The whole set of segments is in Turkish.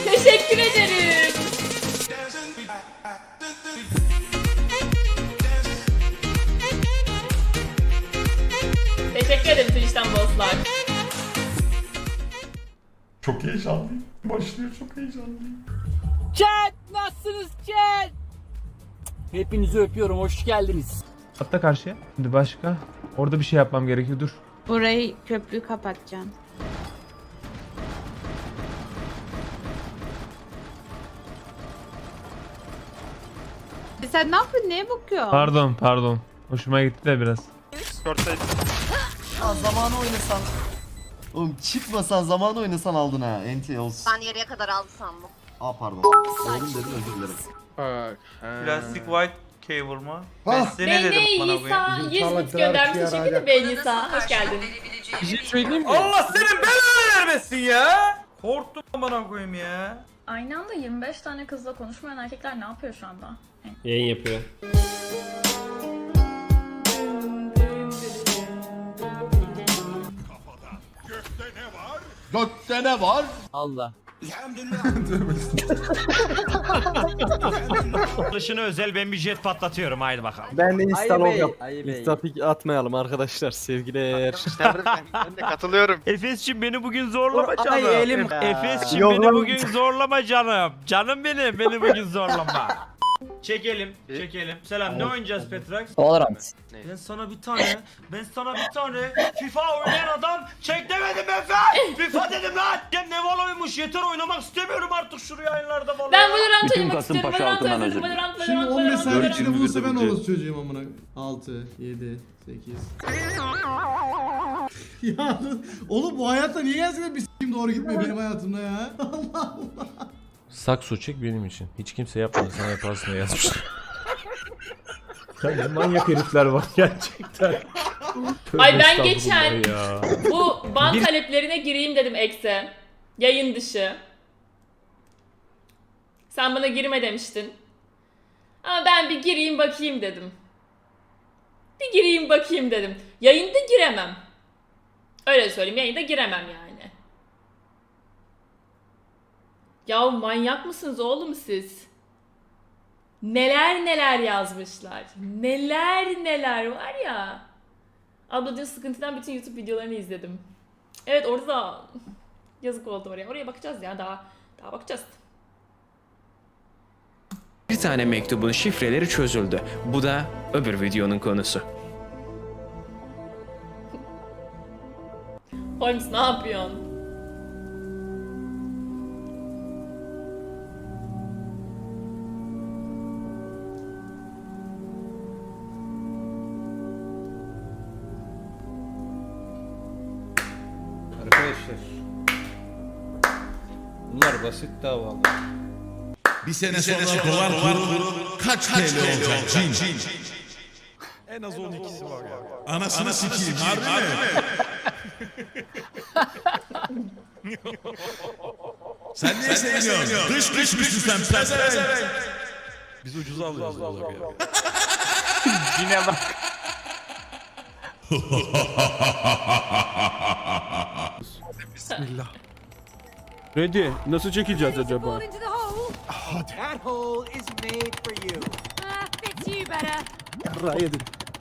Teşekkür ederim. Teşekkür ederim Twitch'ten bosslar. Çok heyecanlıyım. Başlıyor, çok heyecanlıyım. Chat nasılsınız chat? Hepinizi öpüyorum, hoş geldiniz. Atla karşıya. Şimdi başka. Orada bir şey yapmam gerekiyor. Dur. Burayı köprüyü kapatacağım. Sen ne yapıyorsun? Neye bakıyorsun? Pardon. Hoşuma gitti de biraz. Ya zamanı oynasan. Oğlum çıkmasan zamanı oynasan aldın ha. NT olsun. Ben yarıya kadar aldı sandım. Aa pardon. Oğlum dedim özür dilerim. Plastik white cable mı? Ah! Ben size ne dedim bana Nisa bugün? 100 bit göndermiş. Teşekkür ederim Nisa. Hoş geldin. Bir şey söyleyeyim mi? Allah senin belanı vermesin ya! Korktum bana koyayım ya. Aynı anda 25 tane kızla konuşmayan erkekler ne yapıyor şu anda? Yayın yapıyor. Gökte ne var? Allah. Dışına özel ben bir jet patlatıyorum haydi bakalım. Ben de instalom yap. İstapik atmayalım arkadaşlar sevgiler. Ben de katılıyorum. Efes'cim beni bugün zorlama canım. Ay elim. Efes'cim Yok beni lan. bugün zorlama canım. Canım benim beni bugün zorlama. Çekelim. Selam ne oynayacağız Petrax? Valorant. Ben sana bir tane FIFA oynayan adam çek demedim Efe. FIFA dedim lan. Ya ne Valo'ymuş yeter oynamak istemiyorum artık şu yayınlarda Valo. Ben Valorant oynamak istiyorum. Valorant. Şimdi 15 saniye Dört içinde bulursa ben orası çocuğum amına. 6, 7, 8. Ya oğlum bu hayatta niye gerçekten bir s**kim doğru gitmiyor benim hayatımda ya? Allah Allah. Sakso çek benim için. Hiç kimse yapmadı. Sen yaparsın diye yazmışlar. Ya ne manyak herifler var gerçekten. Ay ben Tövbe geçen estağfurullah ya. bu ban taleplerine gireyim dedim Ekse. Yayın dışı. Sen bana girme demiştin. Ama ben bir gireyim bakayım dedim. Yayında giremem. Öyle söyleyeyim, yayında giremem yani. Ya manyak mısınız oğlum siz? Neler yazmışlar. Neler var ya. Abla diyor sıkıntıdan bütün YouTube videolarını izledim. Evet orada da yazık oldu oraya. Oraya bakacağız ya daha bakacağız. Bir tane mektubun şifreleri çözüldü. Bu da öbür videonun konusu. Holmes ne yapıyorsun? Arkadaşlar. Bunlar basit davalar. Bir sene sonra dolar kuru kaç TL olacak cin? En az 12'si var ya. Anasını sikeyim harbi mi? Sen niye seviniyorsun? Dış güçlüsün sen pezevenk. Biz ucuz alıyoruz ya. Yine bak. Bismillah. Ready. Nasıl çekeceğiz acaba? That hole is made for you. Fits you better. Yarrağı yedim.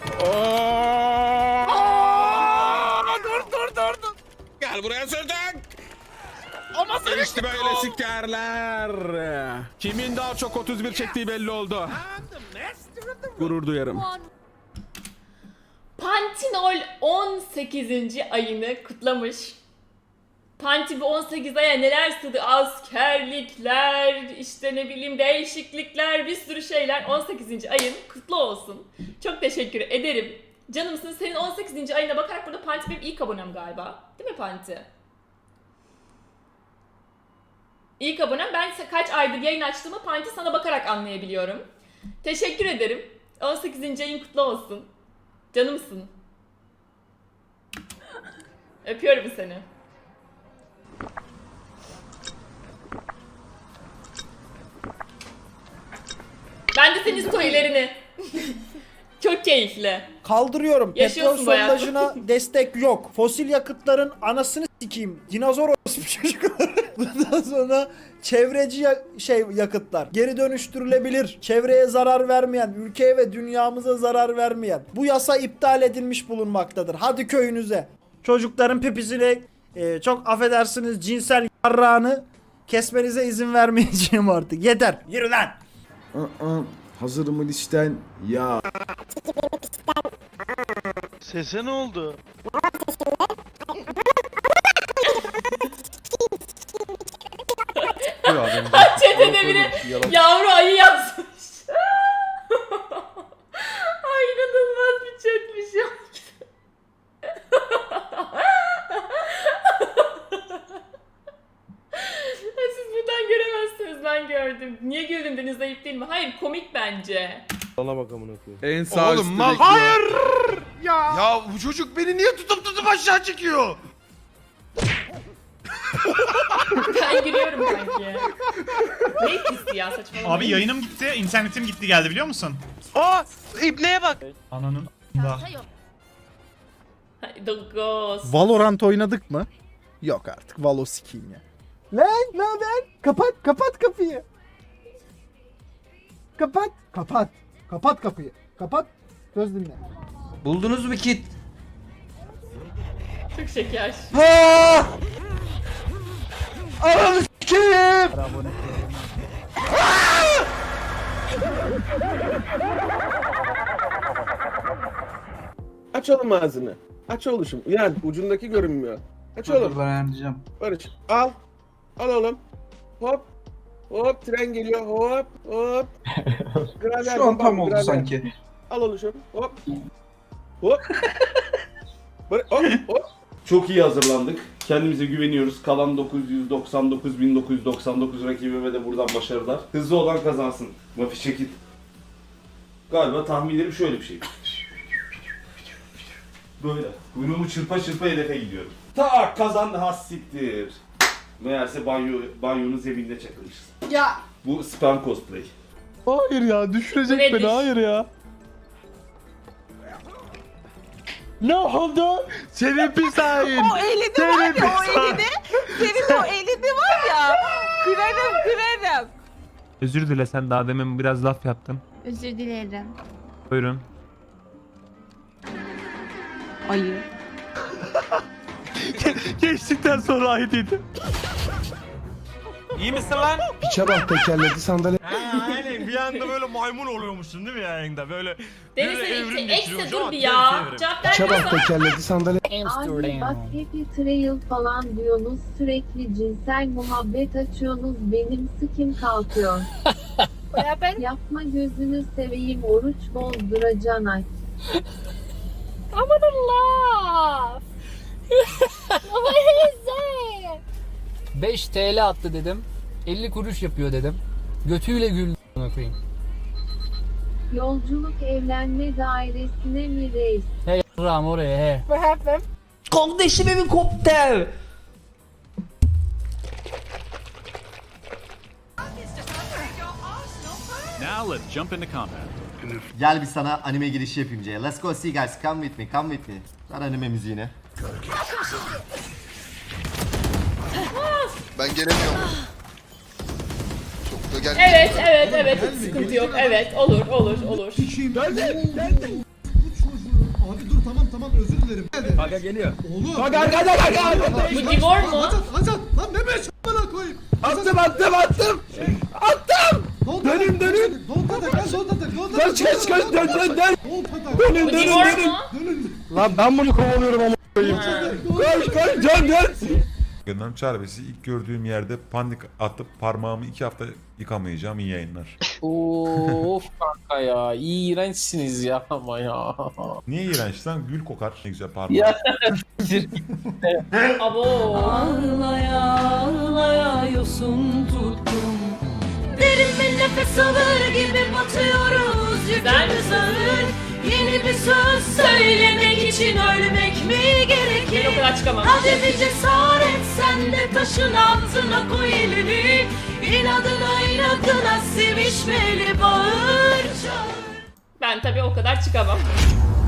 Dur. Gel buraya sürdük. Ama sen işte böyle sikerler. Kimin daha çok 31 çektiği belli oldu. Gurur duyarım. Pantinol 18. ayını kutlamış. Panti bu 18 aya neler sığdı? Askerlikler, işte ne bileyim değişiklikler, bir sürü şeyler. 18. ayın kutlu olsun. Çok teşekkür ederim. Canımsın, senin 18. ayına bakarak burada Panti benim ilk abonem galiba. Değil mi Panti? İlk abonem. Ben kaç aydır yayın açtığımı Panti sana bakarak anlayabiliyorum. Teşekkür ederim. 18. ayın kutlu olsun. Canımsın. Öpüyorum seni. Ben de senin storylerini. Çok keyifli. Kaldırıyorum. Yaşıyorsun Petrol bayağı. sondajına destek yok. Fosil yakıtların anasını sikeyim. Dinozor orospu çocukları. Bundan sonra çevreci yakıtlar, geri dönüştürülebilir, çevreye zarar vermeyen, ülkeye ve dünyamıza zarar vermeyen. Bu yasa iptal edilmiş bulunmaktadır. Hadi köyünüze. Çocukların pipisini çok affedersiniz cinsel yarrağını kesmenize izin vermeyeceğim artık. Yeter. Yürü lan. Hazır mı listen? Ya. Sese ne oldu? Çetede biri yavru ayı yazmış. Ay inanılmaz bir chatmiş ya. Siz buradan göremezsiniz, ben gördüm. Niye güldün, Deniz ayıp değil mi? Hayır, komik bence. En sağ Oğlum üstteki mal. ya. Hayır! Ya bu çocuk beni niye tutup aşağı çekiyor? Ben gülüyorum sanki. Ne etkisi ya, saçmalama. Abi yayınım gitti, internetim gitti geldi biliyor musun? Aa! İbneye bak. Ananın Ghost. Valorant oynadık mı? Yok artık Valo sikiyim ya. Lan ne haber? Kapat kapıyı. Kapat kapıyı. Kapat. Söz dinle. Buldunuz mu kit? Çok şeker. Ananı sikiyim. Aç oğlum ağzını. Aç oluşum. Yani ucundaki görünmüyor. Aç oğlum. Ben ayarlayacağım. Barış al. Al oğlum. Hop. Hop tren geliyor. Hop. Hop. Grader, Şu an tam bak, oldu grader. sanki. Al oluşum. Hop. Hop. Hop. Hop. Çok iyi hazırlandık. Kendimize güveniyoruz. Kalan 999.999 rakibime de buradan başarılar. Hızlı olan kazansın. Mafi çekil. Galiba tahminlerim şöyle bir şey. Böyle. Kuyruğumu çırpa çırpa hedefe gidiyorum. Tak kazandı, has siktir. Meğerse banyonun zeminde çakılmışız. Ya. Bu spam cosplay. Hayır ya düşürecek Nedir? beni hayır ya. Ne oldu? Senin pis hain. O elini var ya, o elini. Senin o elini var ya. Kırarım. Özür dile, sen daha demin biraz laf yaptın. Özür dilerim. Buyurun. Ayı. Geçtikten sonra ayıdıydı. İyi misin lan? Piçe bak tekerledi sandalye. Aynen bir anda böyle maymun oluyormuşsun değil mi yayında böyle. Deniz böyle ayıp. evrim Ekse geçiriyor. dur Şu an bir tevfik ya. evrim. Cevap Piçe vermiyorsan. bak tekerledi sandalye. Abi bak happy trail falan diyorsunuz, sürekli cinsel muhabbet açıyorsunuz, benim sıkim kalkıyor. Yapma gözünü seveyim, oruç bozduracan aç. Aman Allah. 5 TL attı dedim. 50 kuruş yapıyor dedim. Götüyle güldü koyayım. Yolculuk evlenme dairesine mi reis? He yarrağım oraya he. Kardeşim helikopter. Gel bir sana anime girişi yapayım C'ye. Let's go see guys. Come with me. Ver anime müziğini. Ben gelemiyorum. Çok da gelmiyor. Evet, hiç sıkıntı yok. Evet, olur. Sikiyim. Geldi. Bu çocuğu. Abi dur tamam özür dilerim. Aga geliyor. Oğlum. Bu Divor mu? Azat. Lan ne beş bana koyayım. Attım. Dönün. Don't attack. Dön. Bu Divor mu? Lan ben bunu kovalıyorum ama. Koş dön. Gönlüm çarbesi ilk gördüğüm yerde panik atıp parmağımı 2 hafta yıkamayacağım. İyi yayınlar. Of kanka ya. İğrençsiniz ya ama ya. Niye iğrenç lan? Gül kokar. Ne güzel parmağım. Abo. Ağlaya yosun tuttum. Derin bir nefes alır gibi batıyoruz. Yükümüz ağır. Yeni bir söz söylemek için ölmek mi Ben o gerekir? kadar çıkamam. Hadi bir cesaret, sen de taşın altına koy elini. İnadına sevişmeli bağır çağır. Ben tabii o kadar çıkamam.